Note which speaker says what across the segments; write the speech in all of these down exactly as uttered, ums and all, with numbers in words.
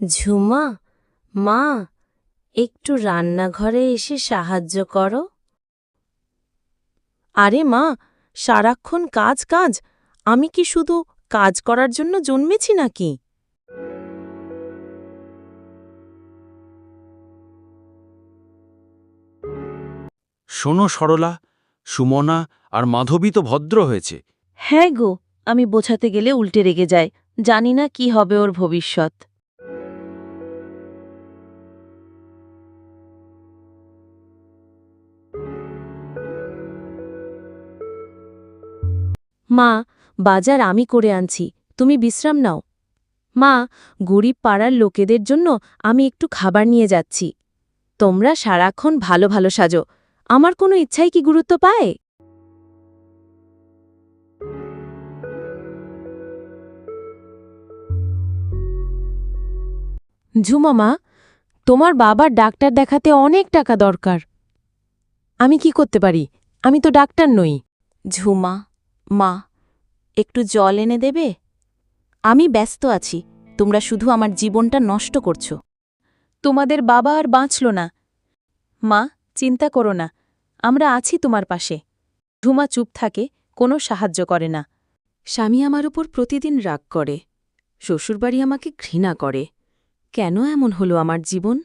Speaker 1: ঝুমা, মা, একটু রান্নাঘরে এসে সাহায্য করো।
Speaker 2: আরে মা, সারাক্ষণ কাজ কাজ। আমি কি শুধু কাজ করার জন্য জন্মেছি নাকি?
Speaker 3: শোনো সরলা, সুমনা আর মাধবী তো ভদ্র হয়েছে।
Speaker 4: হ্যাঁ গো, আমি বোঝাতে গেলে উল্টে রেগে যায়। জানি না কি হবে ওর ভবিষ্যৎ।
Speaker 2: মা, বাজার আমি করে আনছি, তুমি বিশ্রাম নাও। মা, গরিব পাড়ার লোকেদের জন্য আমি একটু খাবার নিয়ে যাচ্ছি। তোমরা সারাক্ষণ ভালো ভালো সাজো, আমার কোনো ইচ্ছাই কি গুরুত্ব পায়? ঝুমা মা, তোমার বাবার ডাক্তার দেখাতে অনেক টাকা দরকার। আমি কি করতে পারি? আমি তো ডাক্তার নই।
Speaker 4: ঝুমা, মা, একটু জল এনে দেবে? আমি ব্যস্ত আছি, তোমরা শুধু আমার জীবনটা নষ্ট করছো।
Speaker 2: তোমাদের বাবা আর বাঁচল না। মা, চিন্তা করো না, আমরা আছি তোমার পাশে। ঝুমা চুপ থাকে, কোনো সাহায্য করে না। স্বামী আমার উপর প্রতিদিন রাগ করে, শ্বশুরবাড়ি আমাকে ঘৃণা করে। কেন এমন হলো আমার জীবন?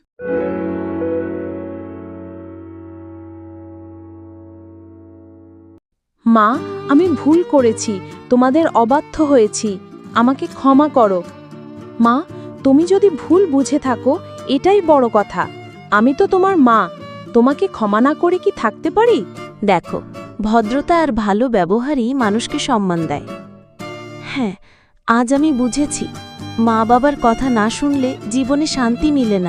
Speaker 2: মা, আমি ভুল করেছি, তোমাদের অবাধ্য হয়েছি, আমাকে ক্ষমা করো। মা, তুমি যদি ভুল বুঝে থাকো এটাই বড় কথা। আমি তো তোমার মা, তোমাকে ক্ষমা না করে কি থাকতে পারি?
Speaker 4: দেখো, ভদ্রতা আর ভালো ব্যবহারই মানুষকে সম্মান দেয়। হ্যাঁ, আজ আমি বুঝেছি, মা বাবার কথা না শুনলে জীবনে শান্তি মিলে না।